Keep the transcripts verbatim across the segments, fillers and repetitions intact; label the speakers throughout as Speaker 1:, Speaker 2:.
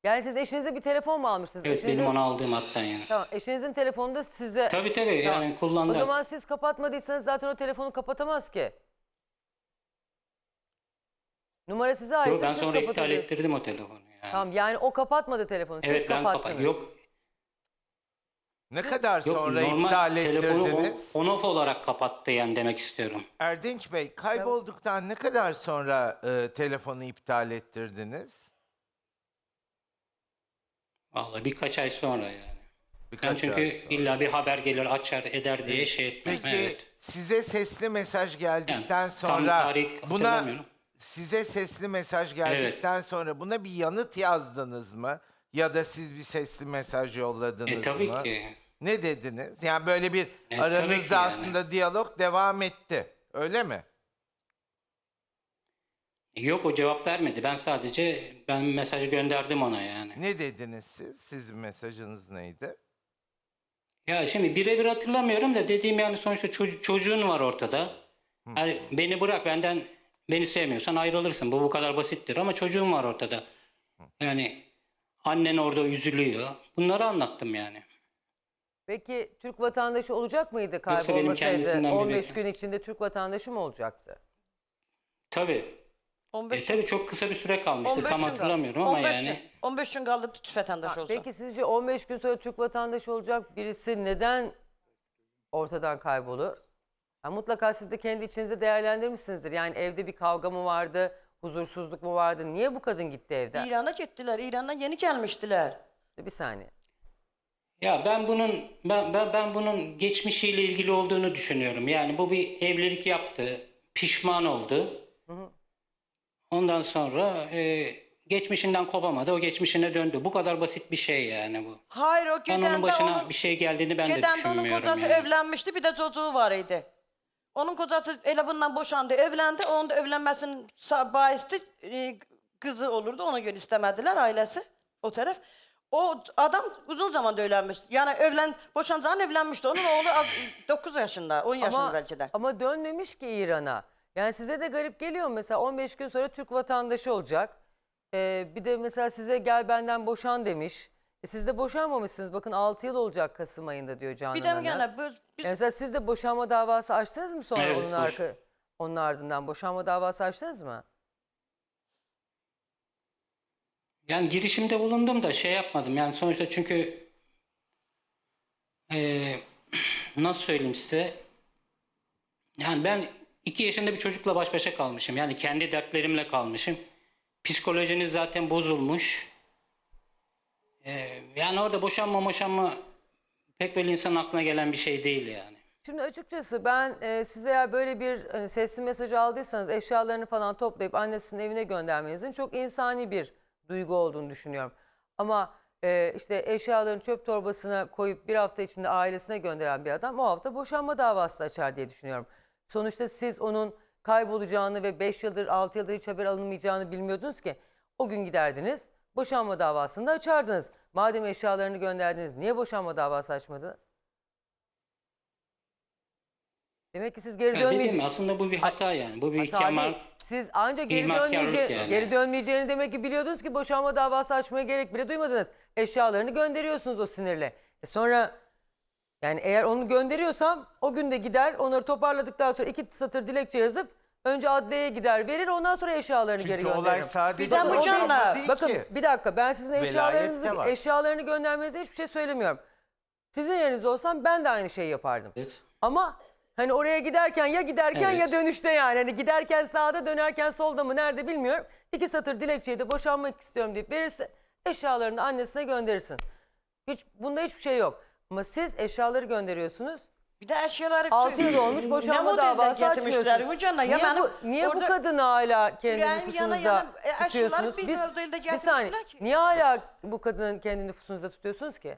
Speaker 1: Yani siz eşinize bir telefon mu almışsınız?
Speaker 2: Evet,
Speaker 1: Eşinizin...
Speaker 2: benim onu aldığım hattan yani.
Speaker 1: Tamam, eşinizin telefonu da size...
Speaker 2: Tabii tabii
Speaker 1: Tamam.
Speaker 2: yani kullandı.
Speaker 1: O zaman siz kapatmadıysanız zaten o telefonu kapatamaz ki. Numara size
Speaker 2: Yok,
Speaker 1: aitse
Speaker 2: ben
Speaker 1: siz
Speaker 2: sonra iptal
Speaker 1: kapatabilirsiniz.
Speaker 2: ettirdim o telefonu yani.
Speaker 1: Tamam, yani o kapatmadı telefonu, siz
Speaker 2: Evet, ben
Speaker 1: kapattınız.
Speaker 2: kapat. Yok.
Speaker 3: Ne kadar
Speaker 2: Yok,
Speaker 3: sonra
Speaker 2: normal
Speaker 3: iptal
Speaker 2: telefonu
Speaker 3: ettirdiniz?
Speaker 2: on off olarak kapattı yani demek istiyorum.
Speaker 3: Erdinç Bey, kaybolduktan ne kadar sonra e, telefonu iptal ettirdiniz?
Speaker 2: Vallahi birkaç ay sonra yani.
Speaker 3: Birkaç
Speaker 2: Ben çünkü
Speaker 3: ay sonra.
Speaker 2: illa bir haber gelir açar eder diye şey etmem.
Speaker 3: Peki
Speaker 2: Evet.
Speaker 3: size sesli mesaj geldikten
Speaker 2: Yani tam
Speaker 3: sonra
Speaker 2: tarih
Speaker 3: buna
Speaker 2: hatırlamıyorum.
Speaker 3: size sesli mesaj geldikten sonra buna bir yanıt yazdınız mı? Ya da siz bir sesli mesaj yolladınız
Speaker 2: E tabii
Speaker 3: mı?
Speaker 2: ki.
Speaker 3: Ne dediniz? Yani böyle bir
Speaker 2: E, tabii ki
Speaker 3: aranızda
Speaker 2: yani.
Speaker 3: aslında diyalog devam etti. Öyle mi?
Speaker 2: Yok, o cevap vermedi. Ben sadece ben mesajı gönderdim ona yani.
Speaker 3: Ne dediniz siz? Sizin mesajınız neydi?
Speaker 2: Ya şimdi birebir hatırlamıyorum da dediğim yani sonuçta ço- çocuğun var ortada. Yani beni bırak, benden beni sevmiyorsan ayrılırsın. Bu bu kadar basittir ama çocuğun var ortada. Yani annen orada üzülüyor. Bunları anlattım yani.
Speaker 1: Peki Türk vatandaşı olacak mıydı
Speaker 2: benim
Speaker 1: kaybolmasaydı?
Speaker 2: kendisinden bir
Speaker 1: on beş
Speaker 2: bekle-
Speaker 1: gün içinde Türk vatandaşı mı olacaktı?
Speaker 2: Tabii.
Speaker 4: on beş
Speaker 2: E tabii çok kısa bir süre kalmıştı.
Speaker 4: on beş
Speaker 2: Tam
Speaker 4: gün
Speaker 2: hatırlamıyorum
Speaker 4: kaldı.
Speaker 2: ama
Speaker 4: on beş
Speaker 2: yani.
Speaker 4: gün- on beş gün kaldı Türk vatandaşı olsa.
Speaker 1: Peki sizce on beş gün sonra Türk vatandaşı olacak birisi neden ortadan kaybolur? Ha, mutlaka siz de kendi içinizde değerlendirmişsinizdir. Yani evde bir kavga mı vardı, huzursuzluk mu vardı? Niye bu kadın gitti evden?
Speaker 4: İran'a gittiler. İran'dan yeni gelmiştiler.
Speaker 1: Bir saniye.
Speaker 2: Ya ben bunun ben, ben ben bunun geçmişiyle ilgili olduğunu düşünüyorum. Yani bu bir evlilik yaptı, pişman oldu. Ondan sonra e, geçmişinden kopamadı, o geçmişine döndü. Bu kadar basit bir şey yani bu.
Speaker 4: Hayır, o
Speaker 2: Ben
Speaker 4: Geden'de
Speaker 2: onun başına
Speaker 4: onun,
Speaker 2: bir şey geldiğini ben de
Speaker 4: Geden'de onun
Speaker 2: düşünmüyorum
Speaker 4: kocası
Speaker 2: yani.
Speaker 4: evlenmişti, bir de çocuğu var idi. Onun kocası ele bundan boşandı, evlendi. Onun da evlenmesinin sa- bahisli e, kızı olurdu. Ona göre istemediler ailesi, o taraf. O adam uzun zamanda evlenmiş. Yani evlen, boşanacağın evlenmişti. Onun oğlu az, dokuz yaşında, on yaşında
Speaker 1: Ama,
Speaker 4: belki de.
Speaker 1: ama dönmemiş ki İran'a. Yani size de garip geliyor mu? Mesela on beş gün sonra Türk vatandaşı olacak. Ee, bir de mesela size gel benden boşan demiş. E siz de boşanmamışsınız. Bakın altı yıl olacak Kasım ayında diyor Canan
Speaker 4: Bir de
Speaker 1: Hanım.
Speaker 4: gene bu, biz,
Speaker 1: Yani mesela siz de boşanma davası açtınız mı sonra
Speaker 2: Evet,
Speaker 1: onun,
Speaker 2: boş-
Speaker 1: arka, onun ardından? Boşanma davası açtınız mı?
Speaker 2: Yani girişimde bulundum da şey yapmadım. Yani sonuçta çünkü e, nasıl söyleyeyim size? Yani ben iki yaşında bir çocukla baş başa kalmışım. Yani kendi dertlerimle kalmışım. Psikolojiniz zaten bozulmuş. Ee, yani orada boşanma boşanma pek böyle insanın aklına gelen bir şey değil yani.
Speaker 1: Şimdi açıkçası ben e, size eğer böyle bir hani sesli mesaj aldıysanız eşyalarını falan toplayıp annesinin evine göndermenizin çok insani bir duygu olduğunu düşünüyorum. Ama e, işte eşyalarını çöp torbasına koyup bir hafta içinde ailesine gönderen bir adam o hafta boşanma davası açar diye düşünüyorum. Sonuçta siz onun kaybolacağını ve beş yıldır altı yıldır hiç haber alınmayacağını bilmiyordunuz ki. O gün giderdiniz boşanma davasını da açardınız. Madem eşyalarını gönderdiniz niye boşanma davası açmadınız? Demek ki siz geri
Speaker 2: Ya dediğim
Speaker 1: dönmeyeceksiniz.
Speaker 2: aslında bu bir hata yani. Bu bir
Speaker 1: Hata
Speaker 2: kemal.
Speaker 1: değil. Siz ancak geri,
Speaker 2: ihmalkarlık
Speaker 1: dönmeyece
Speaker 2: yani.
Speaker 1: geri dönmeyeceğini demek ki biliyordunuz ki boşanma davası açmaya gerek bile duymadınız. Eşyalarını gönderiyorsunuz o sinirle. E sonra yani eğer onu gönderiyorsam o gün de gider onları toparladıktan sonra iki satır dilekçe yazıp önce adliyeye gider verir ondan sonra eşyalarını
Speaker 3: Çünkü
Speaker 1: geri gönderirim.
Speaker 3: olay sadece
Speaker 4: Bir de
Speaker 3: boşanma
Speaker 4: Mücan'la-
Speaker 3: değil
Speaker 1: Bakın
Speaker 3: ki.
Speaker 1: bir dakika ben sizin
Speaker 3: Velayet de
Speaker 1: eşyalarınızı
Speaker 3: var.
Speaker 1: eşyalarını göndermenize hiçbir şey söylemiyorum. Sizin yerinizde olsam ben de aynı şeyi yapardım.
Speaker 2: Evet.
Speaker 1: Ama hani oraya giderken ya giderken
Speaker 2: Evet.
Speaker 1: ya dönüşte yani. Hani giderken sağda dönerken solda mı nerede bilmiyorum. İki satır dilekçeyi de boşanmak istiyorum deyip verirse eşyalarını annesine gönderirsin. Hiç, bunda hiçbir şey yok. Ama siz eşyaları gönderiyorsunuz.
Speaker 4: bir de eşyaları...
Speaker 1: altı yıl olmuş
Speaker 4: Ne
Speaker 1: boşanma
Speaker 4: modelden
Speaker 1: davası
Speaker 4: getirmişler
Speaker 1: açmıyorsunuz.
Speaker 4: Mücan'la? Ya
Speaker 1: Niye,
Speaker 4: benim
Speaker 1: bu, niye bu
Speaker 4: orada-
Speaker 1: kadını hala kendi
Speaker 4: Yüreğin yana
Speaker 1: nüfusunuzda
Speaker 4: yana, e, eşyaları
Speaker 1: tutuyorsunuz?
Speaker 4: bir
Speaker 1: Biz,
Speaker 4: modelden
Speaker 1: bir saniye.
Speaker 4: getirmişler ki.
Speaker 1: Niye hala bu kadının kendi nüfusunuzda tutuyorsunuz ki?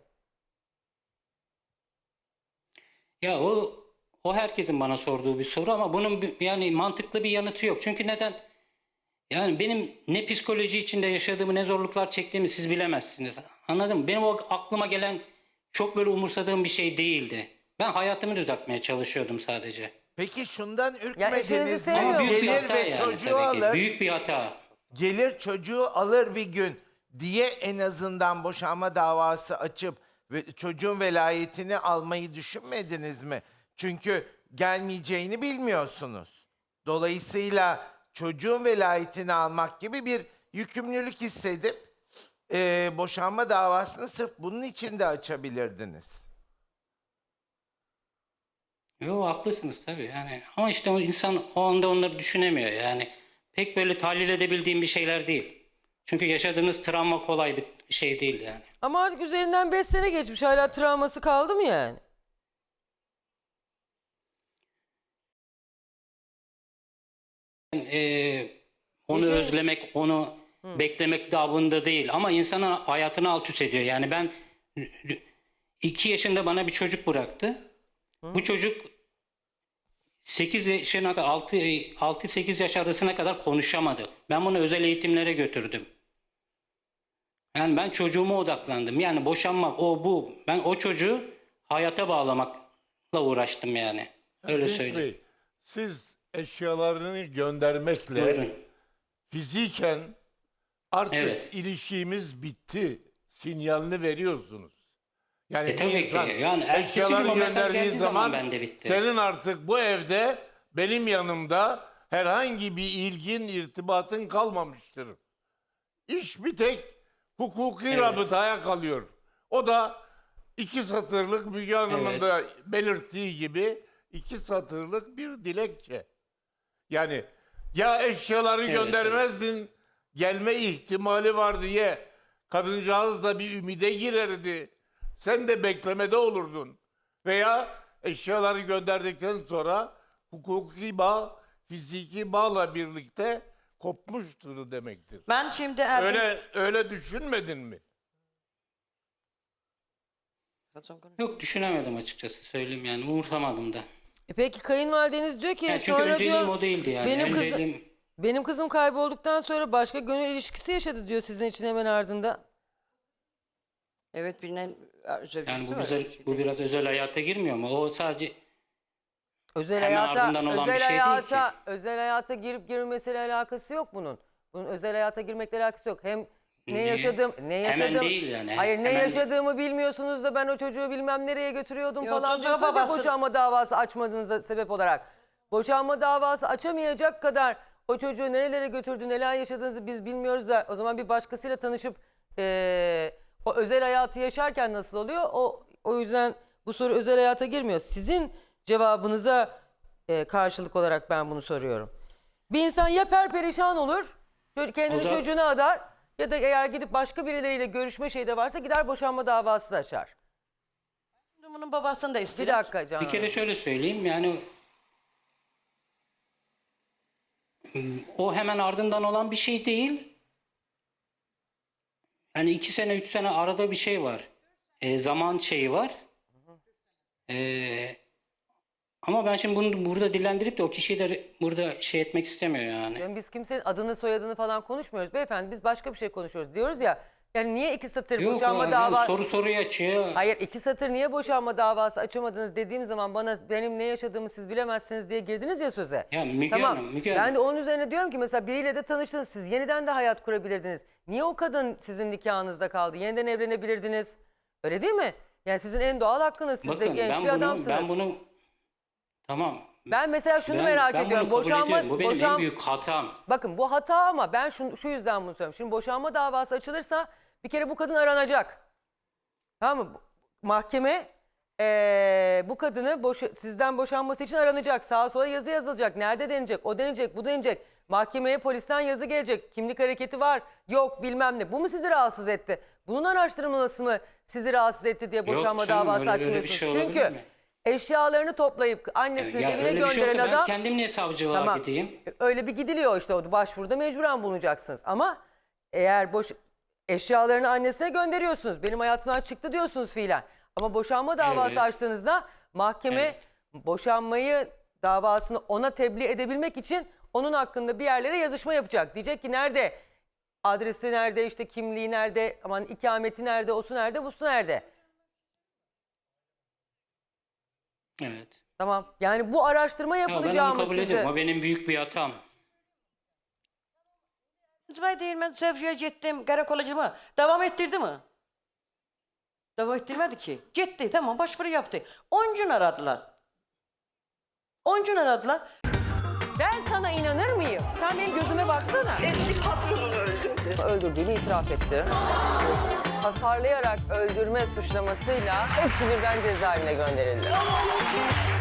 Speaker 2: Ya o o herkesin bana sorduğu bir soru ama bunun bir- yani mantıklı bir yanıtı yok. Çünkü neden? Yani benim ne psikoloji içinde yaşadığımı ne zorluklar çektiğimi siz bilemezsiniz. Anladın mı? Benim o aklıma gelen çok böyle umursadığım bir şey değildi. Ben hayatımı düzeltmeye çalışıyordum sadece.
Speaker 3: Peki şundan
Speaker 1: eşinizi
Speaker 3: ürkmediniz mi?
Speaker 1: sevmiyor musunuz?
Speaker 2: Büyük bir
Speaker 3: Gelir
Speaker 2: hata
Speaker 3: ve
Speaker 2: yani
Speaker 3: çocuğu
Speaker 2: tabii ki.
Speaker 3: alır.
Speaker 2: Büyük bir hata.
Speaker 3: Gelir çocuğu alır bir gün. diye en azından boşanma davası açıp ve çocuğun velayetini almayı düşünmediniz mi? Çünkü gelmeyeceğini bilmiyorsunuz. Dolayısıyla çocuğun velayetini almak gibi bir yükümlülük hissedip e, boşanma davasını sırf bunun için de açabilirdiniz.
Speaker 2: Yo, haklısınız tabii yani. Ama işte o insan o anda onları düşünemiyor yani. Pek böyle tahlil edebildiğim bir şeyler değil. Çünkü yaşadığınız travma kolay bir şey değil yani.
Speaker 1: Ama artık üzerinden beş sene geçmiş. Hala travması kaldı mı yani?
Speaker 2: Ee, onu
Speaker 1: Yaşar-
Speaker 2: özlemek, onu beklemek davında değil. Ama insanın hayatını alt üst ediyor. Yani ben iki yaşında bana bir çocuk bıraktı. Bu çocuk sekiz yaşına kadar altı sekiz yaş arasına kadar konuşamadı. Ben bunu özel eğitimlere götürdüm. Yani ben çocuğuma odaklandım. Yani boşanmak o bu. Ben o çocuğu hayata bağlamakla uğraştım yani. Öyle
Speaker 5: Genç
Speaker 2: söyleyeyim.
Speaker 5: Bey, siz eşyalarını göndermekle
Speaker 2: Buyurun.
Speaker 5: fiziken artık
Speaker 2: Evet.
Speaker 5: ilişkimiz bitti sinyalini veriyorsunuz. Yani
Speaker 2: E
Speaker 5: bir
Speaker 2: tabii ki.
Speaker 5: insan
Speaker 2: Yani ertesi gün
Speaker 5: eşyalarını
Speaker 2: o mesaj
Speaker 5: gönderdiği
Speaker 2: geldiği
Speaker 5: zaman
Speaker 2: zaman bende bitti.
Speaker 5: senin artık bu evde benim yanımda herhangi bir ilgin, irtibatın kalmamıştır. İş bir tek hukuki
Speaker 2: Evet.
Speaker 5: rabıtaya kalıyor. O da iki satırlık Müge Hanım'ın
Speaker 2: Evet.
Speaker 5: da belirttiği gibi iki satırlık bir dilekçe. Yani ya eşyaları
Speaker 2: Evet,
Speaker 5: göndermezdin, gelme ihtimali var diye kadıncağız da bir ümide girerdi. Sen de beklemede olurdun. Veya eşyaları gönderdikten sonra hukuki bağ, fiziki bağla birlikte kopmuştur demektir.
Speaker 4: Ben şimdi evden...
Speaker 5: Öyle öyle düşünmedin mi?
Speaker 2: Yok, düşünemedim açıkçası söyleyeyim yani. Umursamadım da.
Speaker 1: E peki kayınvalideniz diyor ki
Speaker 2: Yani çünkü
Speaker 1: sonra
Speaker 2: önceliğim
Speaker 1: diyor
Speaker 2: o değildi yani.
Speaker 1: benim kızım
Speaker 2: Önceliğim-
Speaker 1: benim kızım kaybolduktan sonra başka gönül ilişkisi yaşadı diyor sizin için hemen ardında.
Speaker 4: Evet, bilinen özel
Speaker 2: Yani bu,
Speaker 4: var,
Speaker 2: güzel,
Speaker 4: öyle şey
Speaker 2: bu
Speaker 4: değil.
Speaker 2: biraz özel hayata girmiyor mu? O sadece
Speaker 1: Özel
Speaker 2: Hemen
Speaker 1: hayata
Speaker 2: ardından olan
Speaker 1: özel
Speaker 2: bir şey değil
Speaker 1: hayata
Speaker 2: ki.
Speaker 1: özel hayata girip girmesiyle alakası yok bunun. Bunun özel hayata girmekle alakası yok. Hem ne
Speaker 2: Niye?
Speaker 1: yaşadım ne
Speaker 2: Hemen
Speaker 1: yaşadım.
Speaker 2: değil yani,
Speaker 1: Hayır ne
Speaker 2: hemen-
Speaker 1: yaşadığımı bilmiyorsunuz da ben o çocuğu bilmem nereye götürüyordum
Speaker 4: Yok,
Speaker 1: falan
Speaker 4: çocuğa
Speaker 1: diyorsunuz ya
Speaker 4: babası-
Speaker 1: boşanma davası açmadığınıza sebep olarak. Boşanma davası açamayacak kadar o çocuğu nerelere götürdü, neler yaşadığınızı biz bilmiyoruz da o zaman bir başkasıyla tanışıp eee, o özel hayatı yaşarken nasıl oluyor? O o yüzden bu soru özel hayata girmiyor. Sizin cevabınıza eee, karşılık olarak ben bunu soruyorum. Bir insan ya perperişan olur, çocuk- kendini
Speaker 2: O zaman-
Speaker 1: çocuğuna adar ya da eğer gidip başka birileriyle görüşme şeyi de varsa gider boşanma davası da açar.
Speaker 4: Şimdi bunun babasını da
Speaker 1: Bir
Speaker 4: istedim.
Speaker 1: dakika Canan
Speaker 2: bir kere
Speaker 1: Hanım.
Speaker 2: şöyle söyleyeyim yani o hemen ardından olan bir şey değil. Yani iki sene, üç sene arada bir şey var. E, zaman şeyi var. E, ama ben şimdi bunu burada dillendirip de o kişiyi de burada şey etmek istemiyor yani.
Speaker 1: Yani biz kimsenin adını soyadını falan konuşmuyoruz beyefendi. Biz başka bir şey konuşuyoruz. Diyoruz ya yani niye iki satır
Speaker 2: Yok,
Speaker 1: boşanma
Speaker 2: o-
Speaker 1: davası...
Speaker 2: soru soruyu açıyor.
Speaker 1: Hayır iki satır niye boşanma davası açamadınız dediğim zaman bana benim ne yaşadığımı siz bilemezsiniz diye girdiniz ya söze.
Speaker 2: Ya Müge
Speaker 1: tamam.
Speaker 2: Hanım, Müge
Speaker 1: ben
Speaker 2: Hanım.
Speaker 1: de onun üzerine diyorum ki mesela biriyle de tanıştınız siz yeniden de hayat kurabilirdiniz. Niye o kadın sizin nikahınızda kaldı? Yeniden evlenebilirdiniz. Öyle değil mi? Yani sizin en doğal hakkınız. Siz de
Speaker 2: Bakın
Speaker 1: genç
Speaker 2: ben
Speaker 1: bir
Speaker 2: bunu,
Speaker 1: adamsınız.
Speaker 2: ben bunu tamam.
Speaker 1: Ben mesela şunu
Speaker 2: Ben-
Speaker 1: merak
Speaker 2: ben bunu
Speaker 1: ediyorum.
Speaker 2: kabul
Speaker 1: Boşanma,
Speaker 2: ediyorum. Bu benim
Speaker 1: boşan-
Speaker 2: en büyük hatam.
Speaker 1: Bakın bu hata ama ben şu, şu yüzden bunu söylüyorum. Şimdi boşanma davası açılırsa bir kere bu kadın aranacak. Tamam mı? Bu- Mahkeme eee, bu kadını boş, sizden boşanması için aranacak. Sağa sola yazı yazılacak. Nerede denecek? O denecek, bu denecek. Mahkemeye polisten yazı gelecek. Kimlik hareketi var, yok bilmem ne. Bu mu sizi rahatsız etti? Bunun araştırılması mı sizi rahatsız etti diye boşanma
Speaker 2: canım,
Speaker 1: davası
Speaker 2: öyle- öyle bir
Speaker 1: açmıyorsunuz?
Speaker 2: şey olabilir
Speaker 1: Çünkü
Speaker 2: mi?
Speaker 1: eşyalarını toplayıp annesinin
Speaker 2: Ya
Speaker 1: evine
Speaker 2: öyle bir şey
Speaker 1: gönderen
Speaker 2: olsa ben
Speaker 1: adam...
Speaker 2: kendim niye savcılığa
Speaker 1: Tamam.
Speaker 2: gideyim?
Speaker 1: Öyle bir gidiliyor işte o başvuruda mecburen bulunacaksınız. Ama eğer boş eşyalarını annesine gönderiyorsunuz. Benim hayatımdan çıktı diyorsunuz fiilen. Ama boşanma davası
Speaker 2: Evet.
Speaker 1: açtığınızda mahkeme
Speaker 2: Evet.
Speaker 1: boşanmayı davasını ona tebliğ edebilmek için onun hakkında bir yerlere yazışma yapacak. Diyecek ki nerede? Adresi nerede? İşte kimliği nerede? Aman ikameti nerede? Osu nerede? Busu nerede?
Speaker 2: Evet.
Speaker 1: Tamam. Yani bu araştırma
Speaker 2: Ya ben onu
Speaker 1: yapılacağımı
Speaker 2: kabul
Speaker 1: size...
Speaker 2: ediyorum. O benim büyük bir hatam.
Speaker 4: Zübey değil, ben Sevci'ye gittim, karakola gittim. Devam ettirdi mi? Devam ettirmedi ki. Gitti, tamam, başvuru yaptı. on gün aradılar. on gün aradılar.
Speaker 1: Ben sana inanır mıyım? Sen benim gözüme baksana.
Speaker 6: Eski patronunu öldürdü.
Speaker 1: Öldürdüğünü itiraf etti. Hasarlayarak öldürme suçlamasıyla hepsi birden cezaevine gönderildi.